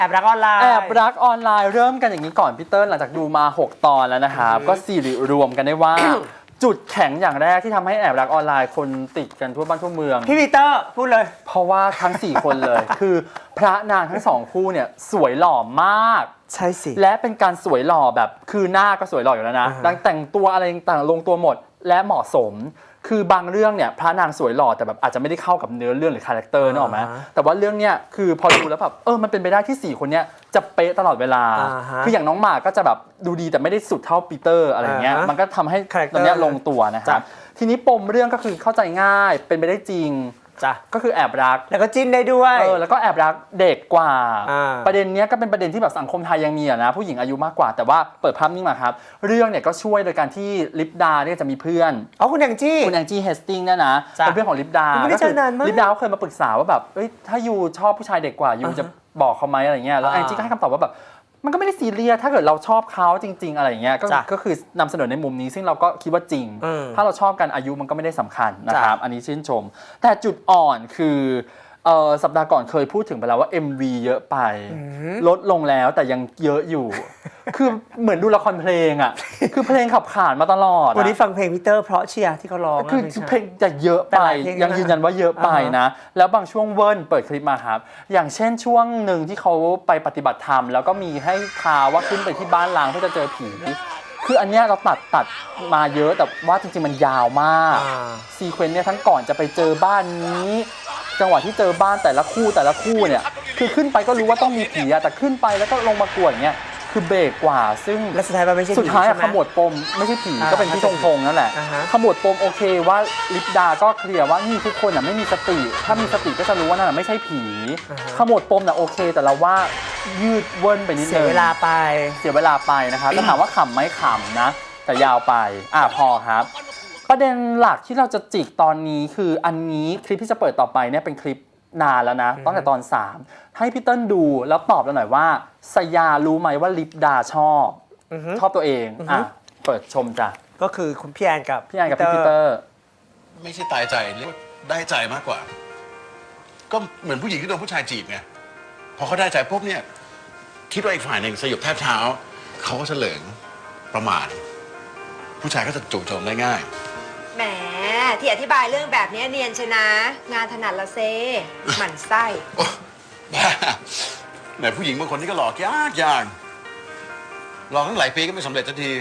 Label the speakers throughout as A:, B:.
A: แอบรักออนไลน์
B: แอบรักออนไลน์เริ่มกันอย่างนี้ก่อนพี่เติ้ลหลังจากดูมา6 ตอนแล้วนะครับก็สิริรวมกันได้ว่า จุดแข็งอย่างแรกที่ทำให้แอบรักออนไลน์คนติดกันทั่วบ้านทั่วเมือง
A: พี่ปีเตอร์พูดเลย
B: เพราะว่าทั้ง4 คนเลย คือพระนางทั้ง2 คู่เนี่ยสวยหล่อมาก
A: ใช่สิ
B: และเป็นการสวยหล่อแบบคือหน้าก็สวยหล่ออยู่แล้วนะแต่งตัวอะไรต่างลงตัวหมดและเหมาะสมคือบางเรื่องเนี่ยพระนางสวยหล่อแต่แบบอาจจะไม่ได้เข้ากับเนื้อเรื่องหรือคาแรคเตอร์นึกออกไหมแต่ว่าเรื่องเนี้ยคือพอดูแล้วแบบมันเป็นไปได้ที่4 คนเนี้ยจะเป๊ะตลอดเวลาคืออย่างน้องหมากก็จะแบบดูดีแต่ไม่ได้สุดเท่าปีเตอร์อะไรเงี้ยมันก็ทำให้ตอนนี้ลงตัวนะครับทีนี้ปมเรื่องก็คือเข้าใจง่ายเป็นไปได้จริงก็คือแอบรัก
A: แล้วก็จิ้นได้ด้วย
B: แล้วก็แอบรักเด็กกว่าประเด็นนี้ก็เป็นประเด็นที่แบบสังคมไทยยังมีนะผู้หญิงอายุมากกว่าแต่ว่าเปิดภาพนิ่งมาครับเรื่องเนี่ยก็ช่วยโดยการที่ลิปดาเนี่ยจะมีเพื่อน
A: คุณแองจี้
B: เฮสติงเนี่ยนะเป็นเพื่อนของลิปดา
A: ไม่ได้เจอนานมาก
B: ลิปดาเคยมาปรึกษาว่าแบบถ้ายูชอบผู้ชายเด็กกว่ายูจะบอกเขาไหมอะไรเงี้ยแล้วแองจี้ก็ให้คำตอบว่าแบบมันก็ไม่ได้ซีเรียสถ้าเกิดเราชอบเขาจริงๆอะไรอย่างเงี้ยก็คือนำเสนอในมุมนี้ซึ่งเราก็คิดว่าจริงถ้าเราชอบกันอายุมันก็ไม่ได้สำคัญนะครับอันนี้ชื่นชมแต่จุดอ่อนคือสัปดาห์ก่อนเคยพูดถึงไปแล้วว่า MV เยอะไปลดลงแล้วแต่ยังเยอะอยู่ คือเหมือนดูละครเพลงอ่ะคือเพลงขับขานมาตลอด
A: วันนี้ฟังเพลงพีเตอร์เพราะเชียร์ที่เขาร้อง
B: คือเพลงจะเยอะไปยังยืนยันว่าเยอะไปนะแล้วบางช่วงเวิร์นเปิดคลิปมาครับอย่างเช่นช่วงหนึ่งที่เขาไปปฏิบัติธรรมแล้วก็มีให้ทาว่าขึ้นไปที่บ้านล้างเพื่อจะเจอผีคืออันเนี้ยเราตัดมาเยอะแต่ว่าจริงๆมันยาวมากซีเควนต์เนี่ยทั้งก่อนจะไปเจอบ้านนี้จังหวะที่เจอบ้านแต่ละคู่เนี่ยคือขึ้นไปก็รู้ว่าต้องมีผีแต่ขึ้นไปแล้วก็ลงมากวดเงี้ยคือเบรกกว่าซึ่ง
A: และสุดท้ายมันไม่ใช่
B: สุดท้ายขมวดปมไม่ใช่ผีก็เป็นพี่ธงนั่นแหละขมวดปมโอเคว่าลิปดาก็เคลียร์ว่านี่ทุกคนไม่มีสติถ้ามีสติก็จะรู้ว่านั่นไม่ใช่ผีขมวดปมโอเคแต่เราว่ายืดเวิ้นไปนิดนึง
A: เสียเวลาไป
B: นะคะแต่ถามว่าขำไหมขำนะแต่ยาวไปพอครับประเด็นหลักที่เราจะจิกตอนนี้คืออันนี้คลิปที่จะเปิดต่อไปเนี่ยเป็นคลิปนานแล้วนะตั้งแต่ตอน3ให้พี่เติ้ลดูแล้วตอบเราหน่อยว่าสยารู้ไหมว่าลิปดาชอบตัวเองเปิดชมจ้ะ
A: ก็คือคุณพี่แอนกับ
B: พี่ปีเตอร์
C: ไม่ใช่ตายใจเรียกว่าได้ใจมากกว่าก็เหมือนผู้หญิงที่โดนผู้ชายจีบไงพอเขาได้ใจปุ๊บเนี่ยคิดว่าอีกฝ่ายหนึ่งสยบแทบเท้าเขาก็เฉลิงประมาทผู้ชายก็จะจู่โจมได้ง่าย
D: แหมที่อธิบายเรื่องแบบนี้เนียนชนะงานถนัดละเซหมั่นไส้
C: บ้าแหมผู้หญิงบางคนนี่ก็หลอกยากหลอกตั้งหลายปีก็ไม่สำเร็จสักที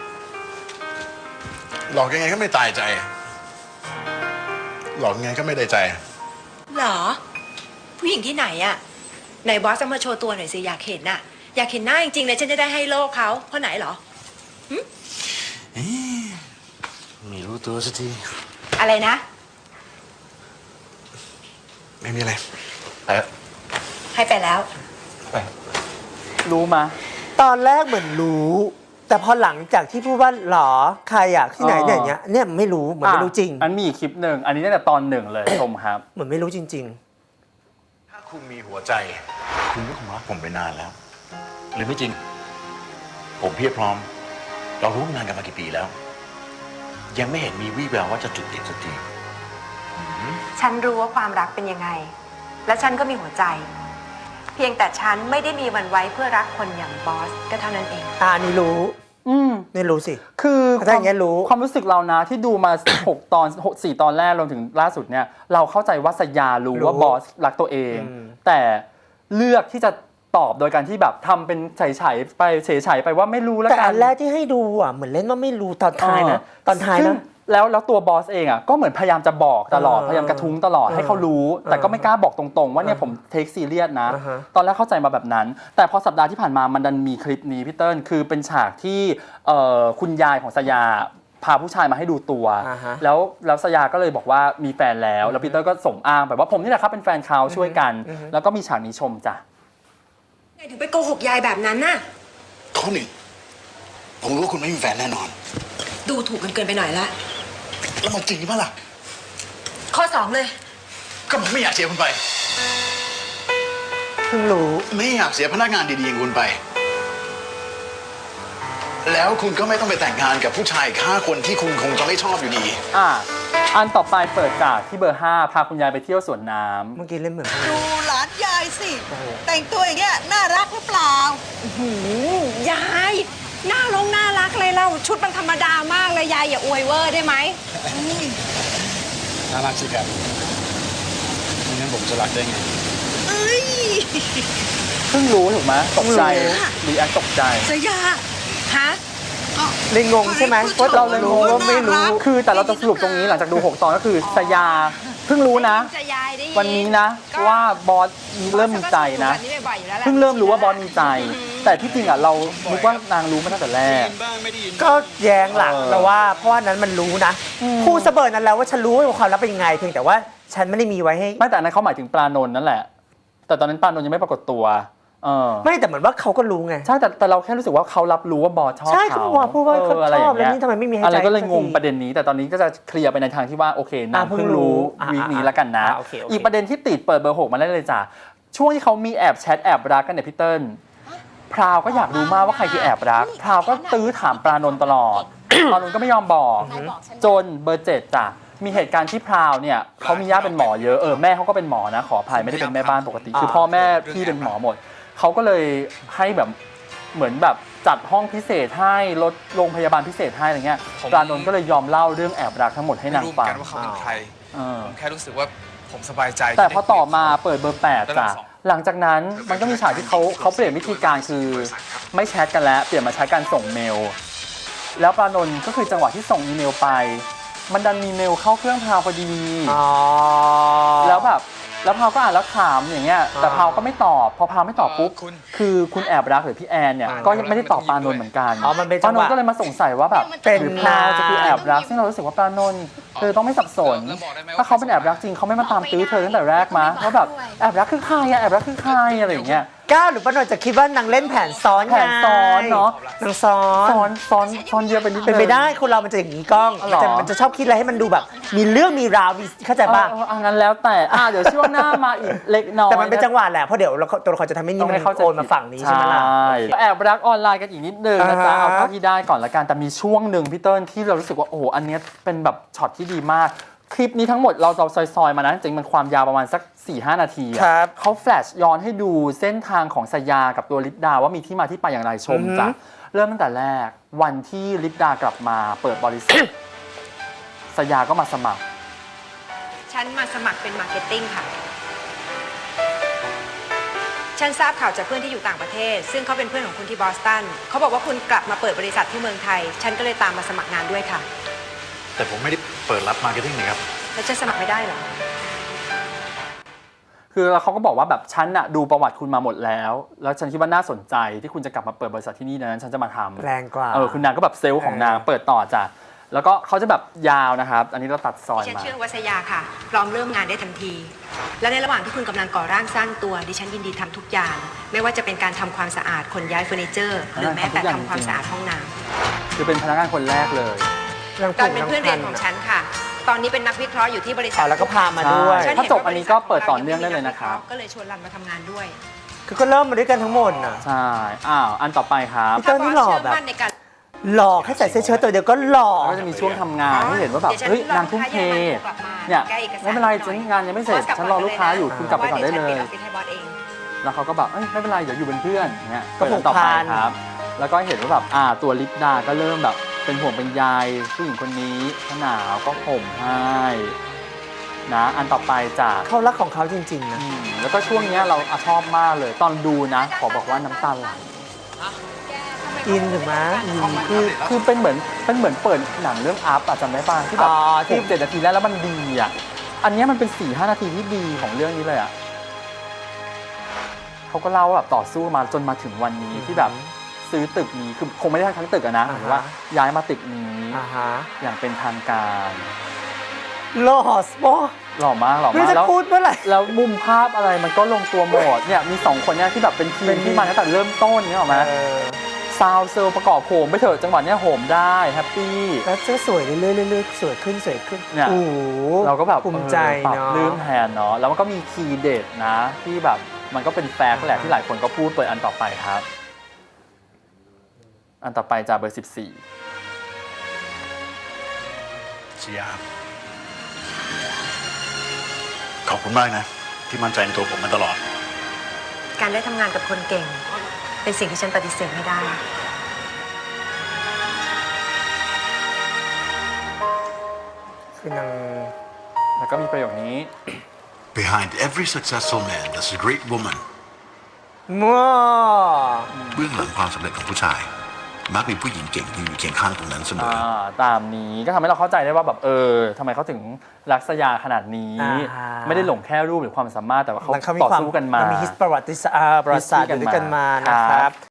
C: หลอกยังไงก็ไม่ตายใจหลอกยังไงก็ไม่ได้ใจ
D: เหรอผู้หญิงที่ไหนอะไหนบอสจะมาโชว์ตัวหน่อยสิอยากเห็นน่ะอยากเห็นหน้าจริงๆเลยฉันจะได้ให้โลกเขาเพราะไหนเหรอ
C: ไม่รู้ตัวสักที
D: อะไรนะ
C: ไม่มีอะไรไป
D: ให้ไปแล้ว
C: ไป
B: รู้มา
A: ตอนแรกเหมือนรู้แต่พอหลังจากที่พูดว่าหรอใครที่ไหนเนี่ยไม่รู้เหมือนไม่รู้จริง
B: อันมีคลิปหนึ่งอันนี้ตั้งแต่ตอน1เลยชมครับ
A: เหมือนไม่รู้จริง
C: ๆถ้าคุณมีหัวใจคุณก็คงรักผมไปนานแล้วหรือไม่จริงผมเพียบพร้อมเรารู้งานกันมากี่ปีแล้วยังไม่เห็นมีวี่แววว่าจะจุดติดสักที
D: ฉันรู้ว่าความรักเป็นยังไงและฉันก็มีหัวใจเพียงแต่ฉันไม่ได้มีวันไว้เพื่อรักคนอย่างบอสก็เท่านั้นเอง
A: นี่รู้นี่รู้สิ
B: คือความรู้สึกเรานะที่ดูมา6 ตอน 4 ตอนแรกรวมถึงล่าสุดเนี่ยเราเข้าใจว่าสยารู้ว่าบอสรักตัวเองแต่เลือกที่จะตอบโดยการที่แบบทำเป็นเฉยๆไปว่าไม่รู้แล้วกัน
A: แต่อันแรกที่ให้ดูเหมือนเล่นว่าไม่รู้ตอนท้ายนะตอนท้ายนะ
B: แล้วตัวบอสเองก็เหมือนพยายามจะบอกตลอดพยายามกระทุ้งตลอดให้เขารู้แต่ก็ไม่กล้าบอกตรงๆว่าเนี่ยผมเทคซีเรียสนะตอนแรกเข้าใจมาแบบนั้นแต่พอสัปดาห์ที่ผ่านมามันดันมีคลิปนี้พี่เติ้ลคือเป็นฉากที่คุณยายของสยาพาผู้ชายมาให้ดูตัวแล้วสยาก็เลยบอกว่ามีแฟนแล้วปีเตอร์ก็ส่งอ้างแบบว่าผมนี่แหละครับเป็นแฟนเขาช่วยกันแล้วก็มีฉากนี้ชมจ้ะ
D: ไงถึงไปโกหกยายแบบนั้นน่ะ
C: ข้อหนึ่งผมรู้ว่าคุณไม่มีแฟนแน่นอน
D: ดูถูกกันเกินไปหน่อยละ
C: แล้วมันจริงป่ะล่ะ
D: ข้อ2เลย
C: ก็ผมไม่อยากเสียคุณไป
A: เพิ่งรู้
C: ไม่อยากเสียพนักงานดีๆอย่างคุณไปแล้วคุณก็ไม่ต้องไปแต่งงานกับผู้ชาย5 คนที่คุณคงจะไม่ชอบอยู่ดี
B: อันต่อไปเปิดจากที่เบอร์ 5พาคุณยายไปเที่ยวสวนน้ำ
A: เมื่อกี้เล่นเหมือน
C: ดูไล
E: ลานยายสิ แต่งตัวอย่างเงี้ยน่ารักหรือเปล่า
D: ยายน่ารักเลยเราชุดมันธรรมดามากเลยยายอย่าอวยเวอร์ได้ไหม
C: น่ารักสิครับไม่งั้นผมจะรักได้ไง
E: เอ้ย
B: เพิ่งรู้ถูกไหมตกใจรีแอคตกใจ
E: สยา
D: ฮะ
A: เลยงงใช่ไหมว่า
B: เราเลยรู้
A: ว่าไม่รู้
B: คือแต่เราจะสรุปตรงนี้หลังจากดู 6 ตอนก็คือสยาเพิ่งรู้นะ
D: จะยายได้ยิ
B: วันนี้นะว่าบอสเริ่มมีใจนะ
D: แบบนี้บ่อยๆอยู่แล้วแหละ
B: เพิ่งเริ่มรู้ว่าบอสมีใจ แต่ที่จริงอ่ะเรานึกว่านางรู้มาตั้งแต่แรก
A: ก็แย้งหลัก
B: เออ
A: เราว่าเพราะว่านั้นมันรู้นะพูดเสเบิร์นั้นแล้วว่าฉันรู้ว่าความลับเป็นยังไงเพียงแต่ว่าฉันไม่ได้มีไว้ให้
B: ไม่แต่อันนั้นเขาหมายถึงปลานนท์นั่นแหละ แต่ตอนนั้นปลานนท์ยังไม่ปรากฏตัว
A: ไม่แต่เหมือนว่าเขาก็รู้ไง
B: ใช่แต่เราแค่รู้สึกว่าเขารับรู้ว่าบอสชอบ
A: ใช่เขาบอกว่าพูดว่าเขาชอบแล้วนี่ทำไมไม่มีให้ใจ
B: อะไรก็เลยงง
A: สักที
B: ประเด็นนี้ แต่ตอนนี้ก็จะเคลียร์ไปในทางที่ว่าโอเคนาง
A: เพิ่
B: เพิ่
A: ง
B: ง
A: รู้
B: รู้
A: อ่ะ
B: วีคนี้แล้วกันนะ
A: โอเคโอเค
B: อีกประเด็นที่ติดเปิดเบอร์ 6มาได้เลยจ้ะช่วงที่เขามีแอบแชทแอบรักกันเนี่ยพี่เติ้ลพราวก็อยากรู้มากว่าใครคือแอบรักพราวก็ตื้อถามปลานนท์ตลอด ปลานนท์ก็ไม่ยอมบอก จนเบอร์ 7จ้ะมีเหตุการณ์ที่พราวเนี่ยเขามีญาติเป็นหมอเยอะแม่เขาก็เป็นหมอนะขออภัยไม่ได้เป็นแม่บ้านปกติ คือพ่อแม่พี่เป็นหมอหมดเขาก็เลยให้แบบเหมือนแบบจัดห้องพิเศษให้รถโรงพยาบาลพิเศษให้อะไรเงี้ยปลานนท์ก็เลยยอมเล่าเรื่องแอบรักทั้งหมดให้
F: ไม่
B: นาง
F: รู้เหมือ
B: ฟั
F: น
B: ง
F: กันว่าเขาเป็นใคร
B: เออ
F: ผมแค่รู้สึกว่าผมสบายใจ
B: แต่
F: ที่
B: พอ
F: ได้
B: ต่อมาเปิดเบอร์ 8จ้ะหลังจากนั้นมันก็มีฉากที่เขาเปลี่ยนวิธีการคือไม่แชทกันแล้วเปลี่ยนมาใช้การส่งเมล แล้วปลานนท์ก็คือจังหวะที่ส่งอีเมลไป มันดันมีเมลเข้าเครื่องพราวพอดี
A: อ๋อ
B: แล้วแบบแล้วพาวก็อ่านแล้วถามอย่างเงี้ยแต่พาวก็ไม่ตอบพอพาวไม่ตอบปุ๊บคือคุณแอบรักหรือพี่แอนเนี่ยก็ยังไม่ได้ตอบปานนท์เหมือนกัน
A: อ๋อมันเป็น
B: ปา
A: จั
B: น
A: ง
B: น
A: หวะ
B: ท์ก็เลยมาสงสัยว่าแบบ
A: เป็น
B: หรือพาวจะคือแอบรักซึ่งเรารู้สึกว่าปานนท์เธอต้องไม่สับสนถ้าเขาเป็นแอบรักจริงเขาไม่มาตามตื้อเธอตั้งแต่แรกมาว่าแบบแอบรักคือใครอะแอบรักคือใครอะไรอย่างเงี้ย
A: ก้าวหรือป้าหน่อยจะคิดว่านางเล่นแผนซ้อน
B: แผนซ้อนเนอะ
A: นางซ้อน
B: ซ้อนเยอะไปนิดนึง
A: เป็นไปได้คนเรามันจะอย่างนี้กล้อง
B: อ๋อเหรอ
A: มันจะชอบคิดอะไรให้มันดูแบบ มีเรื่องมีราวมีเข้าใจป่ะ
B: อันนั้นแล้วแต่เดี๋ยวช่วงหน้ามาอีกเล็กน้อย
A: แต่มันเป็นจังหวะแหละเพราะเดี๋ยวตัวละครจะทำให้นี่
B: ต้อง
A: มัน
B: ให้เข้าใจ
A: โอนมาฝั่งนี้ใช่ไหมล่ะ
B: แอบรักออนไลน์กันอีกนิดนึงนะจ๊ะ
A: อ่าฮะ
B: เอาเท่าที่ได้ก่อนละกันแต่มีช่วงหนึ่งพี่เติ้ลที่เรารู้สึกว่าโอ้โหอันเนี้ยเป็นแบบช็อตที่ดีมาก คลิปนี้ทั้งหมดเราซอยๆมานะจริงๆมันความยาวประมาณสัก 4-5 นาทีอะ
A: ครับ
B: เขาแฟลชย้อนให้ดูเส้นทางของสยากับตัวลิปดาว่ามีที่มาที่ไปอย่างไรชมจ้ะเริ่มตั้งแต่แรกวันที่ลิปดากลับมาเปิดบริษัท สยาก็มาสมัคร
D: ฉันมาสมัครเป็นมาร์เก็ตติ้งค่ะ ฉันทราบข่าวจากเพื่อนที่อยู่ต่างประเทศ ซึ่งเขาเป็นเพื่อนของคุณที่บอสตันเขาบอกว่าคุณกลับมาเปิดบริษัทที่เมืองไทย ฉันก็เลยตามมาสมัครงานด้วยค่ะ
C: แต่ผมไม่ได้เปิดรับมาร์เก็ตติ้งนะครับ
D: แล้วจะสมัครไม่ได้เหรอ
B: คือเขาก็บอกว่าแบบฉันอะดูประวัติคุณมาหมดแล้ว แล้วฉันคิดว่าน่าสนใจที่คุณจะกลับมาเปิดบริษัทที่นี่ดังนั้นฉันจะมาทำ
A: แรงกว่า
B: คุณนางก็แบบเซลล์ของนางเปิดต่อจ้ะแล้วก็เขาจะแบบยาวนะครับ อันนี้เราตัดซอย
D: ดิฉัน
B: มา
D: ชื่อวัสยาค่ะ พร้อมเริ่มงานได้ทันที และในระหว่างที่คุณกำลังก่อร่างสร้างตัว ดิฉันยินดีทำทุกอย่าง ไม่ว่าจะเป็นการทำความสะอาดขนย้ายเฟอร์นิเจอร์ หรือแม้แต่ทำความสะอาดห้องน้ำ
B: คือเป็นพนักงานคนแรกเลย
D: ตอนเป็นเพื่อนเรียนของฉันค่ะ ตอนนี้เป็นนักวิเคราะห์อยู่ที่บริษัท
A: แล้วก็พามาด้วย
B: ใช่ ถ้าจบอันนี้ก็เปิดต่อเนื่องได้เลยนะครับ
D: ก็เลยชวนรันมาทำงานด้วย
A: คือก็เริ่มมาด้วยกันทั้งหมดน่ะ
B: ใช่อันต่อไปครับ
A: พี่เติ้ลนี่หล่อแบบ
D: ถ้าบสเชื่มั่นในการ
A: หล่อแค่ใส่เสื้อเชิ้ตตัวเดียวก็หล่อ
B: ก็จะมีช่วงทำงานที่เห็นว่าแบบเฮ้ยนางทุ่มเทเนี่ยไม่เป็นไรฉันงานยังไม่เสร็จฉันรอลูกค้าอยู่คุณกลับไปก่อนได้เลย
D: พราะว่าดี๋วฉันปิดออฟฟิศให้บอสเอง
B: แล้วเขาก็แบบไม่เป็นไรเดี๋ยวอยู่เป็นเพื่อนอย่างเงี้ย
A: ก็ผูก
B: ต่อไป
A: พัน
B: ครับ แล้วก็เห็นว่าแบบตัวลิปดาก็เริ่มแบบเป็นห่วงเป็นใยผู้หญิงคนนี้ถ้าหนาวก็ห่มให้นะอันต่อไปจาก
A: เขารักของเขาจริงๆนะ
B: แล้วก็ช่วงเนี้ยเราชอบมากเลย ตอนดูนะ ขอบอกว่าน้ำตาไหล
A: อินถูกไหม
B: คือเป็นเหมือนเปิดหนังเรื่องอัพจำได้ป่ะที่แบบ
A: อ๋อที่
B: ที่7 นาทีแรกแล้วมันดีอ่ะอันเนี้ยมันเป็น 4-5 นาทีที่ดีของเรื่องนี้เลยอ่ะเขาก็เล่าว่าแบบต่อสู้มาจนมาถึงวันนี้ที่แบบซื้อตึกนี้คือคงไม่ได้ทั้งตึกอะนะหรือว่าย้ายมาตึกนี้
A: ฮะ
B: อย่างเป็นทางการ
A: หล่อสปอ
B: หล่อมาก
A: ไม่รู้จะ
B: แล้ว
A: พูดเมื่อไหร่
B: แล้วมุมภาพอะไรมันก็ลงตัวหมดเนี่ยมี2คนเนี่ยที่แบบเป็นทีมที่มาตั้งแต่เริ่มต้นเนี่ยหรอไหมซาวเซลประกอบโหมไปเถอะจังหวะเนี้ยโหมได้แฮปปี้
A: แล้วเสื้อสวยเรื่อยๆสวยขึ้น
B: เนี่ย
A: โอ้โห
B: เราก็แบบ
A: ภูมิใจ
B: ปรับ
A: เนาะ
B: เรื่องแทนเนาะแล้วมันก็มีคีย์เด็ดนะที่แบบมันก็เป็นแฟกต์แหละที่หลายคนก็พูดเปิดอันต่อไปครับ อันต่อไปจากเบอร์ 14
C: เชียร์ขอบคุณมากนะ ที่มั่นใจในตัวผมมาตลอด
D: การได้ทำงานกับคนเก่ง เป็นสิ่งที่ฉันปฏิเสธไม่ได้
A: คือนาง
B: แล้วก็มีประโยคนี้
C: Behind every successful man there's a great woman
A: มั่ว
C: เบื้องหลังความสำเร็จของผู้ชาย มักมีผู้หญิงเก่งที่อยู่เคียงข้างตรงนั้นเสมอ
B: ตามนี้ก็ทำให้เราเข้าใจได้ว่าแบบทำไมเขาถึงรักษยาขนาดนี้ ไม่ได้หลงแค่รูปหรือความสามารถแต่ว่าเขา
A: มันเขามี
B: ต่อ
A: ความ
B: สู้กันมา
A: มันมีฮิสประวัติศาสตร์อยู่ด้วยกันมานะครับ